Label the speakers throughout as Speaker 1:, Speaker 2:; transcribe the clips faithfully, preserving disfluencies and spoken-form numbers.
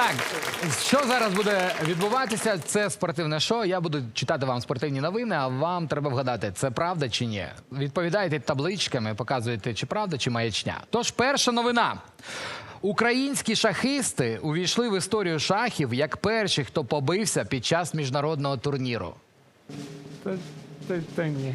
Speaker 1: Так, що зараз буде відбуватися? Це спортивне шоу. Я буду читати вам спортивні новини, а вам треба вгадати, це правда чи ні. Відповідаєте табличками, показуєте, чи правда, чи маячня. Тож, перша новина. Українські шахисти увійшли в історію шахів як перші, хто побився під час міжнародного турніру.
Speaker 2: Та, та, та ні.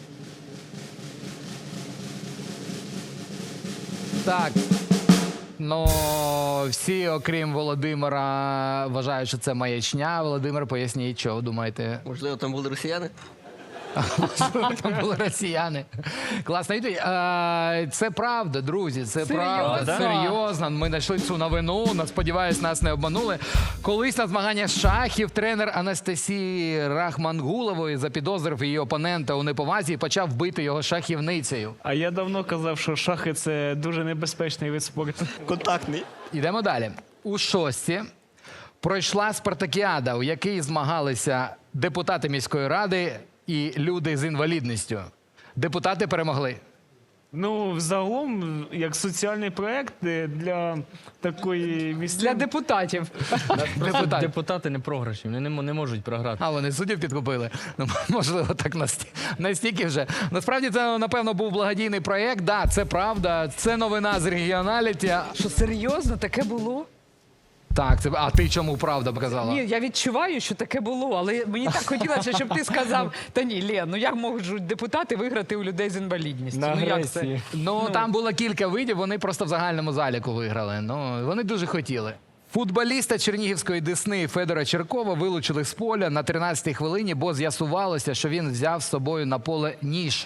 Speaker 1: Так. Ну, всі, окрім Володимира, вважають, що це маячня. Володимир, поясніть, що ви думаєте?
Speaker 3: Можливо, там були росіяни?
Speaker 1: Там були росіяни. Класна відповідь. Е, Це правда, друзі, це правда. Серйозно. Ми знайшли цю новину, на- сподіваюсь, нас не обманули. Колись на змаганнях з шахів тренер Анастасії Рахмангулової запідозрив її опонента у неповазі і почав бити його шахівницею.
Speaker 2: А я давно казав, що шахи – це дуже небезпечний вид спорту.
Speaker 3: Контактний.
Speaker 1: Йдемо далі. У шості пройшла спартакіада, у якій змагалися депутати міської ради і люди з інвалідністю. Депутати перемогли.
Speaker 2: Ну, взагалом, як соціальний проєкт е, для такої
Speaker 4: Для
Speaker 2: місцевої...
Speaker 4: депутатів.
Speaker 1: Депутати.
Speaker 5: Депутати не програші, вони не, м- не можуть програти.
Speaker 1: А, вони суддів підкупили. Ну, можливо, так насті- настільки вже. Насправді, це, напевно, був благодійний проєкт. Да, це правда. Це новина з регіоналіті.
Speaker 4: Що, серйозно, таке було?
Speaker 1: Так, це... А ти чому правда показала?
Speaker 4: Ні, я відчуваю, що таке було, але мені так хотілося, щоб ти сказав, та ні, Лен, ну як можуть депутати виграти у людей з інвалідністю?
Speaker 2: На
Speaker 4: Ну як це?
Speaker 2: агресії.
Speaker 1: Ну, там було кілька видів, вони просто в загальному заліку виграли. Ну, вони дуже хотіли. Футболіста чернігівської Десни Федора Черкова вилучили з поля на тринадцятій хвилині, бо з'ясувалося, що він взяв з собою на поле ніж.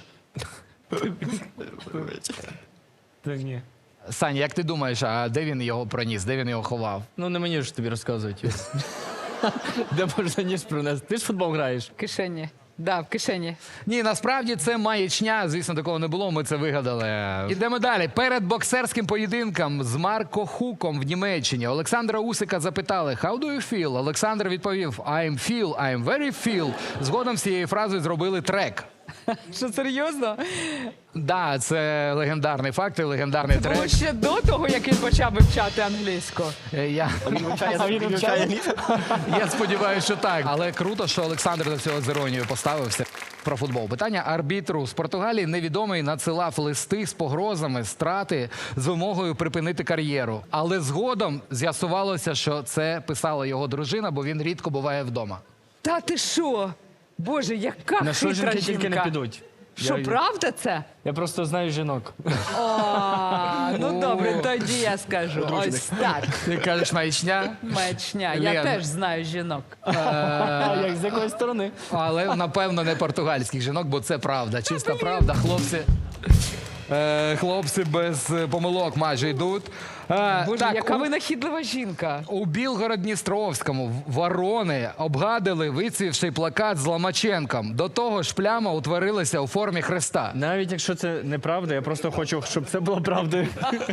Speaker 2: Та ні.
Speaker 1: Саня, як ти думаєш, а де він його проніс, де він його ховав?
Speaker 5: Ну не мені ж тобі розказувати. Де можна ніж принести? Ти ж в футбол граєш.
Speaker 4: В кишені. Да, в кишені.
Speaker 1: Ні, насправді це маячня, звісно, такого не було, ми це вигадали. Ідемо далі. Перед боксерським поєдинком з Марко Хуком в Німеччині Олександра Усика запитали «How do you feel?». Олександр відповів «I'm feel, I'm very feel». Згодом з цією фразою зробили трек.
Speaker 4: Що, серйозно?
Speaker 1: Да, це легендарний факт і легендарний
Speaker 4: Було
Speaker 1: трек.
Speaker 4: ще до того, як він почав вивчати англійську.
Speaker 1: Е, Я,
Speaker 3: Він вивчає.
Speaker 1: я сподіваюся, що так. Але круто, що Олександр до цього з іронією поставився. Про футбол. Питання арбітру з Португалії невідомий надсилав листи з погрозами страти з вимогою припинити кар'єру. Але згодом з'ясувалося, що це писала його дружина, бо він рідко буває вдома.
Speaker 4: Та ти що? Боже, яка
Speaker 5: На що
Speaker 4: хитра
Speaker 5: жінки тільки не
Speaker 4: жінка.
Speaker 5: підуть.
Speaker 4: Що,
Speaker 5: Я-
Speaker 4: правда це?
Speaker 5: Я просто знаю жінок.
Speaker 4: О, ну добре, тоді я скажу. Ось так.
Speaker 1: Ти кажеш маячня,
Speaker 4: Маячня. Я
Speaker 1: Лен.
Speaker 4: теж знаю жінок.
Speaker 5: А як з якої сторони?
Speaker 1: але напевно не португальських жінок, бо це правда. Чиста правда. Хлопці. Е, хлопці без е, помилок майже йдуть. Е,
Speaker 4: Боже,
Speaker 1: так,
Speaker 4: яка
Speaker 1: у-
Speaker 4: винахідлива жінка.
Speaker 1: У Білгород-Дністровському ворони обгадили вицвівший плакат з Ломаченком. До того ж пляма утворилася у формі хреста.
Speaker 5: Навіть якщо це неправда, я просто хочу, щоб це було правдою.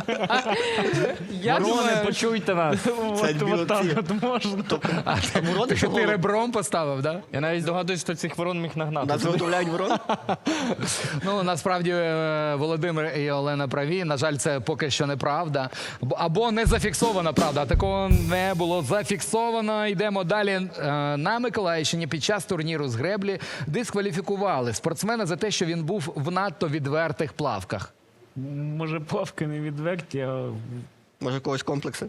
Speaker 4: Я
Speaker 5: Ворони,
Speaker 4: думаю,
Speaker 5: почуйте нас.
Speaker 2: От, от так от можна.
Speaker 1: А ти, ти, ти ребром поставив, да?
Speaker 5: Я навіть здогадуюсь, хто цих ворон міг нагнати.
Speaker 3: Нас виготовляють ворон?
Speaker 1: Ну, насправді, е, Володимир і Олена праві. На жаль, це поки що неправда. Бо- Або не зафіксована правда. А такого не було зафіксовано. Йдемо далі. Е, На Миколаївщині під час турніру з греблі дискваліфікували спортсмена за те, що він був в надто відвертих плавках.
Speaker 2: Може, плавки не відверті, а...
Speaker 3: Може, у когось комплекси?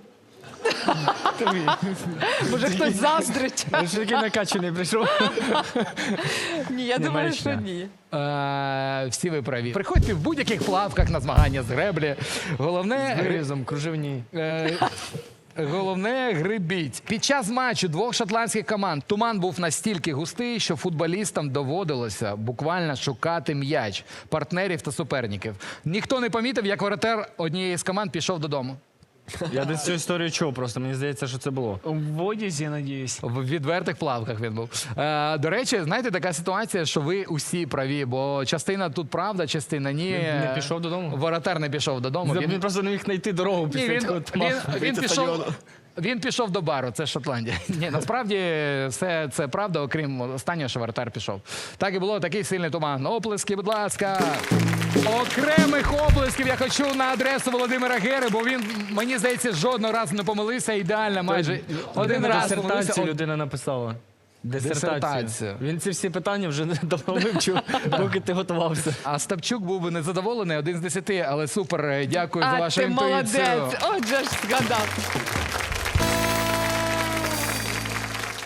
Speaker 4: може хтось заздрить.
Speaker 5: Я ж такий накачаний прийшов.
Speaker 4: Ні, я думаю, що
Speaker 5: маячня.
Speaker 4: ні.
Speaker 1: Е, Всі ви праві. Приходьте в будь-яких плавках на змагання з греблі. Головне...
Speaker 5: Гризом, кружевні.
Speaker 1: Е, Головне грибіть. Під час матчу двох шотландських команд туман був настільки густий, що футболістам доводилося буквально шукати м'яч, партнерів та суперників. Ніхто не помітив, як воротар однієї з команд пішов додому.
Speaker 5: Я десь цю історію чув, просто мені здається, що це було.
Speaker 2: В одязі, я надіюсь.
Speaker 1: В відвертих плавках він був. Е, до речі, знаєте, така ситуація, що ви усі праві, бо частина тут правда, частина ні.
Speaker 5: Не пішов додому?
Speaker 1: Воротар не пішов додому.
Speaker 5: Він просто не міг знайти дорогу
Speaker 1: Ні,
Speaker 5: після
Speaker 1: він,
Speaker 5: цього
Speaker 1: він,
Speaker 5: туману.
Speaker 1: він,
Speaker 3: Вийти з
Speaker 1: пішов,
Speaker 3: стадіону.
Speaker 1: Він пішов до бару, це Шотландія. Ні, насправді все це правда, окрім останнього, що вратар пішов. Так і було, такий сильний туман. Оплески, будь ласка. Окремих оплесків я хочу на адресу Володимира Гери, бо він, мені здається, жодного разу не помилився. Ідеально, майже один раз помилився.
Speaker 5: Дисертацію людина написала. Дисертацію.
Speaker 1: Дисертацію.
Speaker 5: Він ці всі питання вже давно вивчив, поки ти готувався.
Speaker 1: А Стапчук був би незадоволений, один з десяти, але супер, дякую за
Speaker 4: А
Speaker 1: вашу
Speaker 4: ти
Speaker 1: інтуїцію.
Speaker 4: молодець. Отже ж згадав.